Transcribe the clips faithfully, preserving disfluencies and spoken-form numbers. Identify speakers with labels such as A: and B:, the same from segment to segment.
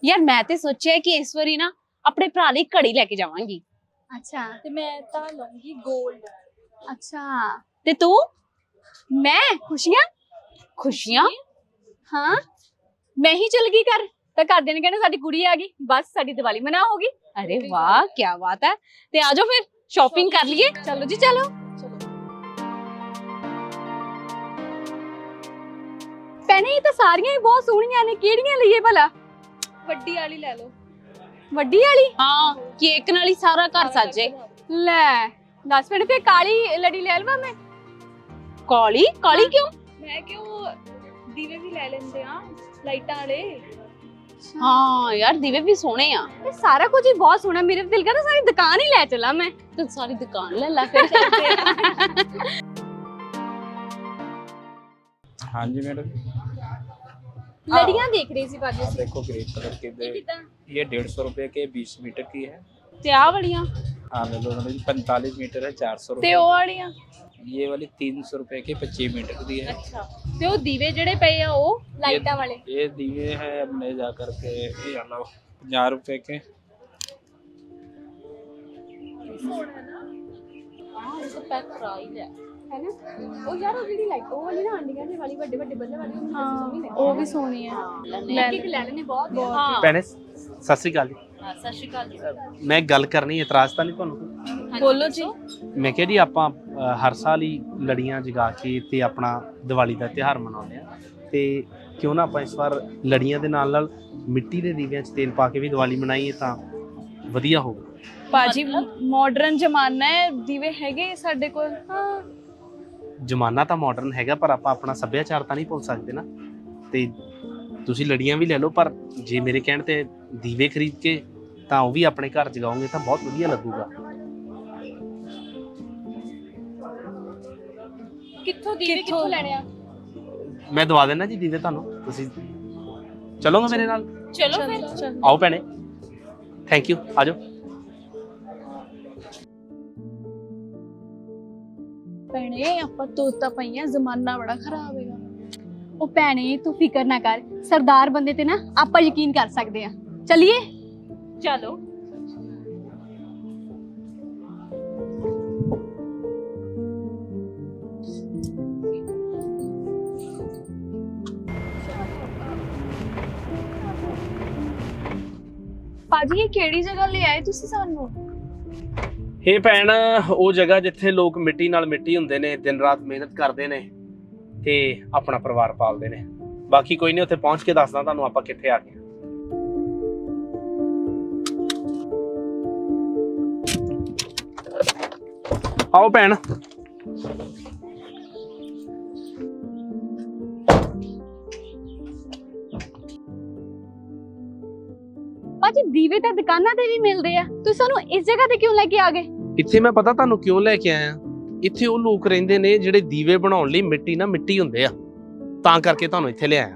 A: यार मैं ते सोचा कि इस बारी ना अपने भरा लई घड़ी लेके जावांगी।
B: अच्छा
C: ਤੇ ਮੈਂ ਤਾਂ ਲਵਾਂਗੀ 골ਡ।
B: अच्छा
A: ते तू?
B: मैं खुशियां
A: खुशियां?
B: हाँ मैं ही चल गई घर तो घर देने कहने साडी कुड़ी आ गई बस साडी दिवाली मना होगी।
A: अरे वाह क्या बात है। ते आ जाओ फिर शॉपिंग कर लिए।
B: चलो जी चलो। भैने ये तो सारियां ही बहुत सोहणियां ने किहड़ियां लईए भला?
C: ਵੱਡੀ ਵਾਲੀ ਲੈ ਲਓ।
B: वड्डी वाली?
A: हाँ केक नाल ही सारा घर सजे।
B: ले दस मिनट फिर काली लड़ी ले लवा मैं।
A: काली काली क्यों?
C: ਮੈਂ ਕਿਉਂ ਦੀਵੇ ਵੀ ਲੈ ਲੈਂਦੇ ਆ ਲਾਈਟਾਂ ਵਾਲੇ।
A: हाँ यार दीवे भी सोने आ।
B: ये सारा कुछ ही बहुत सोहना मेरे दिल का तो सारी दुकान ही ले चला मैं।
A: तो सारी दुकान ले ला फिर।
D: हाँ जी मैडम,
B: लड़ियां देख रही सी बाजू
D: आप
B: से।
D: देखो ग्रे कलर के दे, ये डेढ़ सौ रुपए के बीस मीटर की है।
A: ते आ वालियां
D: हाँ ले लो मैडम, पैंतालीस मीटर है चार सौ
C: ਤੇ
D: रुपये।
C: ਉਹ ਵਾਲੀਆਂ
D: ये वाली तीन सौ रुपए के पच्चीस मीटर की है।
C: ਅੱਛਾ ਤੇ ਉਹ ਦੀਵੇ ਜਿਹੜੇ ਪਏ ਆ ਉਹ
B: लाइटा वाले।
D: ये दिए हैं हमने जा करके ये अलावा पंजाह रुपए के।
A: हां ये तो पैक करा ही ले।
B: है ना ओ यार वो जेडी लाइट ओ वाली ना आंडियां दे वाली बड़े बड़े बल्ले वाली
C: ਹਾਂ ਉਹ ਵੀ ਸੋਹਣੀ ਹੈ।
B: ले के ले लेने बहुत बहुत
A: हाँ
E: ਭੈਣੇ ਸਤਿ ਸ੍ਰੀ ਅਕਾਲ ਜੀ।
A: हाँ, सत श्री अकाल जी।
E: ਮੈਂ ਗੱਲ ਕਰਨੀ ਇਤਰਾਜ਼ ਤਾਂ ਨਹੀਂ ਤੁਹਾਨੂੰ ਕੋਈ?
C: ਬੋਲੋ ਜੀ।
E: ਮੈਂ ਕਿਹਾ ਜੀ ਆਪਾਂ ਅ, ਹਰ ਸਾਲ ਹੀ ਲੜੀਆਂ ਜਗਾ ਕੇ ਤੇ ਆਪਣਾ ਦੀਵਾਲੀ ਦਾ ਤਿਉਹਾਰ ਮਨਾਉਂਦੇ ਆ ਤੇ ਕਿਉਂ ਨਾ ਆਪਾਂ ਇਸ ਵਾਰ ਲੜੀਆਂ ਦੇ ਨਾਲ ਨਾਲ ਮਿੱਟੀ ਦੇ ਦੀਵਿਆਂ 'ਚ ਤੇਲ ਪਾ ਕੇ ਵੀ ਦੀਵਾਲੀ ਮਨਾਈਏ ਤਾਂ ਵਧੀਆ ਹੋਊਗਾ।
C: ਬਾਜੀ ਮਾਡਰਨ ਜ਼ਮਾਨਾ ਹੈ ਦੀਵੇ ਹੈਗੇ ਸਾਡੇ ਕੋਲ। ਹਾਂ
E: ਜ਼ਮਾਨਾ ਤਾਂ ਮਾਡਰਨ ਹੈਗਾ ਪਰ ਆਪਾਂ ਆਪਣਾ ਸੱਭਿਆਚਾਰ ਤਾਂ ਨਹੀਂ ਭੁੱਲ ਸਕਦੇ ਨਾ। ਤੇ ਤੁਸੀਂ ਲੜੀਆਂ ਵੀ ਲੈ ਲਓ ਪਰ ਜੇ ਮੇਰੇ ਕਹਿਣ ਤੇ ਦੀਵੇ ਖਰੀਦ ਕੇ ਤਾਂ ਉਹ ਵੀ ਆਪਣੇ ਘਰ ਜਗਾਓਗੇ ਤਾਂ ਬਹੁਤ ਵਧੀਆ ਲੱਗੂਗਾ।
B: कित्थों दीवे कित्थों लेने आ?
E: ਮੈਂ ਦਵਾ ਦੇਣਾ ਜੀ ਦੀਵੇ ਤੁਹਾਨੂੰ, ਤੁਸੀਂ ਚਲੋਗੇ ਮੇਰੇ ਨਾਲ?
A: चलो फिर।
E: ਆਓ ਭੈਣੇ, ਥੈਂਕ ਯੂ, ਆ ਜਾਓ।
C: ਭੈਣੇ ਆਪਾਂ ਤੋਤਾ ਪਈਆਂ ਜ਼ਮਾਨਾ ਬੜਾ ਖਰਾਬ ਹੈਗਾ।
B: ओ भैने तू फिकर ना कर सरदार बंदे ते ना आपा यकीन कर सकते हैं। चलिए
A: चलो।
C: ਬਾਜੀ ਇਹ ਕਿਹੜੀ ਜਗ੍ਹਾ ਲੈ ਆਏ ਤੁਸੀਂ ਸਾਨੂੰ?
E: ਇਹ ਭੈਣ ਉਹ ਜਗ੍ਹਾ ਜਿੱਥੇ ਲੋਕ ਮਿੱਟੀ ਨਾਲ ਮਿੱਟੀ ਹੁੰਦੇ ਨੇ, ਦਿਨ ਰਾਤ ਮਿਹਨਤ ਕਰਦੇ ਨੇ ਤੇ ਆਪਣਾ ਪਰਿਵਾਰ ਪਾਲਦੇ ਨੇ। ਬਾਕੀ ਕੋਈ ਨਹੀਂ, ਉੱਥੇ ਪਹੁੰਚ ਕੇ ਦੱਸਦਾ ਤੁਹਾਨੂੰ ਆਪਾਂ ਕਿੱਥੇ ਆ ਗਏ। ਆਓ ਭੈਣ।
B: बाजी दीवे तो दुकाना ते भी मिलते हैं, तू सानू इस जगह ते क्यों लेके आ गए?
E: ਇੱਥੇ ਮੈਂ ਪਤਾ ਤੁਹਾਨੂੰ ਕਿਉਂ ਲੈ ਕੇ ਆਇਆ। ਇੱਥੇ ਉਹ ਲੋਕ ਰਹਿੰਦੇ ਨੇ ਜਿਹੜੇ ਦੀਵੇ ਬਣਾਉਣ ਲਈ ਮਿੱਟੀ ਨਾਲ ਮਿੱਟੀ ਹੁੰਦੇ ਆ, ਤਾਂ ਕਰਕੇ ਤੁਹਾਨੂੰ ਇੱਥੇ ਲਿਆਇਆ।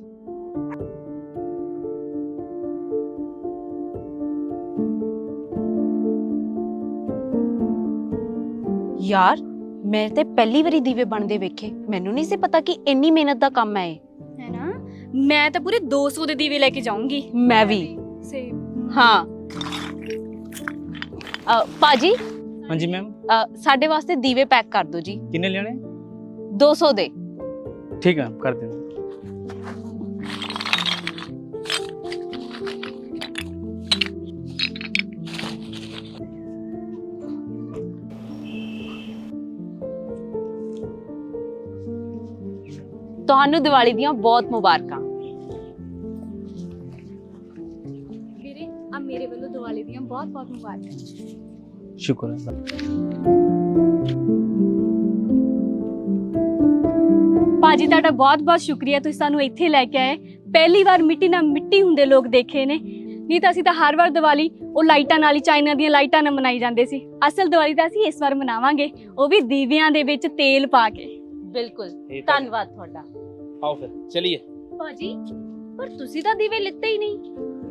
A: यार मैं ते पहली बारी दीवे बनदे वेखे, मैनू नहीं से पता कि इन्नी मेहनत दा काम है।
B: है ना, मैं तो पूरे दो सौ दे दीवे लेके जाऊंगी।
A: मैं भी।
C: सेम।
A: हाँ अ, पाजी
F: हाँ जी मैम,
A: साडे वास्ते दीवे पैक कर दो जी।
F: कितने लेने?
A: दो सौ दे।
F: ठीक है कर देना।
A: ਤੁਹਾਨੂੰ ਦੀਵਾਲੀ ਦੀਆਂ ਬਹੁਤ ਮੁਬਾਰਕਾਂ।
B: ਵੀਰੇ ਆ ਮੇਰੇ ਵੱਲੋਂ ਦੀਵਾਲੀ ਦੀਆਂ ਬਹੁਤ ਬਹੁਤ ਮੁਬਾਰਕਾਂ।
F: शुक्र है।
B: ਭਾਜੀ ਤੁਹਾਡਾ ਬਹੁਤ ਬਹੁਤ ਸ਼ੁਕਰੀਆ, ਤੁਸੀਂ ਸਾਨੂੰ ਇੱਥੇ ਲੈ ਕੇ ਆਏ। ਪਹਿਲੀ ਵਾਰ ਮਿੱਟੀ ਨਾਲ ਮਿੱਟੀ ਹੁੰਦੇ ਲੋਕ ਦੇਖੇ ਨੇ, ਨਹੀਂ ਤਾਂ ਅਸੀਂ ਤਾਂ ਹਰ ਵਾਰ ਦੀਵਾਲੀ ਉਹ ਲਾਈਟਾਂ ਨਾਲ ਹੀ, ਚਾਈਨਾ ਦੀਆਂ ਲਾਈਟਾਂ ਨਾਲ ਮਨਾਈ ਜਾਂਦੇ ਸੀ। ਅਸਲ ਦੀਵਾਲੀ ਤਾਂ ਅਸੀਂ ਇਸ ਵਾਰ ਮਨਾਵਾਂਗੇ, ਉਹ ਵੀ ਦੀਵਿਆਂ ਦੇ ਵਿੱਚ ਤੇਲ ਪਾ ਕੇ।
A: ਬਿਲਕੁਲ
E: ਇਹ ਤਾਂ-
A: ਧੰਨਵਾਦ ਤੁਹਾਡਾ।
E: ਆਓ ਫਿਰ ਚਲੀਏ।
B: ਭਾਜੀ ਪਰ ਤੁਸੀਂ ਤਾਂ ਦੀਵੇ ਲਿੱਤੇ ਹੀ ਨਹੀਂ।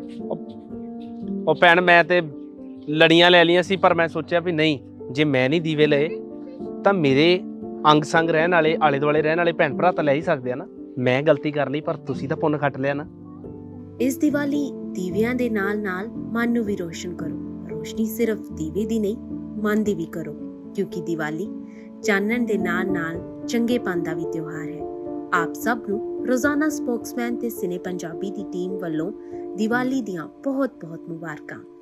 E: ਉਹ ਭੈਣ ਮੈਂ ਤੇ ਲੜੀਆਂ ਲੈ ਲਈਆਂ ਸੀ ਪਰ ਮੈਂ ਸੋਚਿਆ ਵੀ ਨਹੀਂ, ਜੇ ਮੈਂ ਨਹੀਂ ਦੀਵੇ ਲਏ ਤਾਂ ਮੇਰੇ ਅੰਗ ਸੰਗ ਰਹਿਣ ਵਾਲੇ ਆਲੇ ਦੁਆਲੇ ਰਹਿਣ ਵਾਲੇ ਭੈਣ ਭਰਾ ਤਾਂ ਲੈ ਹੀ ਸਕਦੇ ਆ ਨਾ। ਮੈਂ ਗਲਤੀ ਕਰ ਲਈ ਪਰ ਤੁਸੀਂ ਤਾਂ ਪੁੰਨ ਖੱਟ ਲਿਆ ਨਾ।
G: इस दिवाली ਦੀਵਿਆਂ ਦੇ ਨਾਲ-ਨਾਲ ਮਨ ਨੂੰ ਵੀ ਰੋਸ਼ਨ ਕਰੋ। ਰੋਸ਼ਨੀ ਸਿਰਫ ਦੀਵੇ ਦੀ ਨਹੀਂ, ਮਨ ਦੀ ਵੀ ਕਰੋ, ਕਿਉਂਕਿ ਦੀਵਾਲੀ ਚਾਨਣ ਦੇ ਨਾਲ-ਨਾਲ ਚੰਗੇਪਨ ਦਾ ਵੀ ਤਿਉਹਾਰ ਹੈ। ਆਪ ਸਭ ਨੂੰ ਰੋਜ਼ਾਨਾ ਸਪੋਕਸਮੈਨ ਤੇ ਸਿਨੇ ਪੰਜਾਬੀ ਦੀ ਟੀਮ ਵੱਲੋਂ ਦੀਵਾਲੀ ਦੀਆਂ ਬਹੁਤ-ਬਹੁਤ ਮੁਬਾਰਕਾਂ।